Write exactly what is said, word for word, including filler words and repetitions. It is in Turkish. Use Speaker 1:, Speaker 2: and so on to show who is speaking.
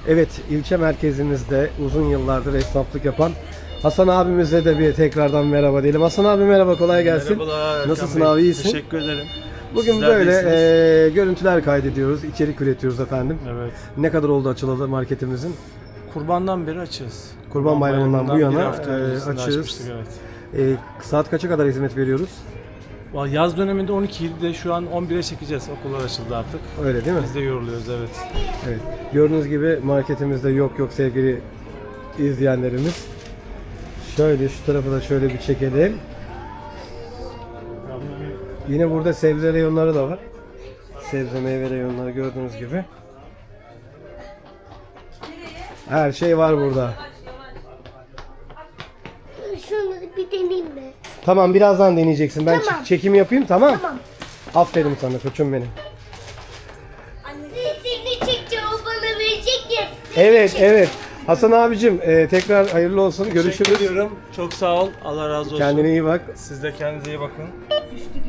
Speaker 1: Evet, ilçe merkezimizde uzun yıllardır esnaflık yapan Hasan abimize de bir tekrardan merhaba diyelim. Hasan abi merhaba, kolay gelsin.
Speaker 2: Merhabalar Erkan
Speaker 1: Nasılsın
Speaker 2: Bey?
Speaker 1: abi, iyisin?
Speaker 2: Teşekkür ederim.
Speaker 1: Bugün
Speaker 2: Sizler
Speaker 1: böyle
Speaker 2: de iyisiniz.
Speaker 1: e, görüntüler kaydediyoruz, içerik üretiyoruz efendim.
Speaker 2: Evet.
Speaker 1: Ne kadar oldu açılalı marketimizin?
Speaker 2: Kurbandan beri açığız.
Speaker 1: Kurban Bayramı'ndan bu
Speaker 2: Bayramı'ndan bir
Speaker 1: yana
Speaker 2: hafta
Speaker 1: e,
Speaker 2: öncesinde
Speaker 1: açığız.
Speaker 2: açmıştık, evet.
Speaker 1: E, saat kaça kadar hizmet veriyoruz?
Speaker 2: Vallahi Yaz döneminde on ikide şu an on bire çekeceğiz. Okullar açıldı artık.
Speaker 1: Öyle değil mi?
Speaker 2: Biz de yoruluyoruz, evet.
Speaker 1: Evet. Gördüğünüz gibi marketimizde yok yok sevgili izleyenlerimiz. Şöyle şu tarafı da şöyle bir çekelim. Yine burada sebze reyonları da var. Sebze meyve reyonları gördüğünüz gibi. Her şey var burada.
Speaker 3: Şunu bir deneyeyim mi?
Speaker 1: Tamam, birazdan deneyeceksin. Ben
Speaker 3: Tamam.
Speaker 1: çek- çekim yapayım, tamam?
Speaker 3: Tamam.
Speaker 1: Aferin sana koçum benim.
Speaker 3: Seni çekeceğim, o bana verecek ya.
Speaker 1: Evet evet. Hasan abicim e, tekrar hayırlı olsun. Görüşürüz.
Speaker 2: Teşekkür ediyorum. Çok sağ ol. Allah razı olsun.
Speaker 1: Kendine iyi bak.
Speaker 2: Siz de kendinize iyi bakın.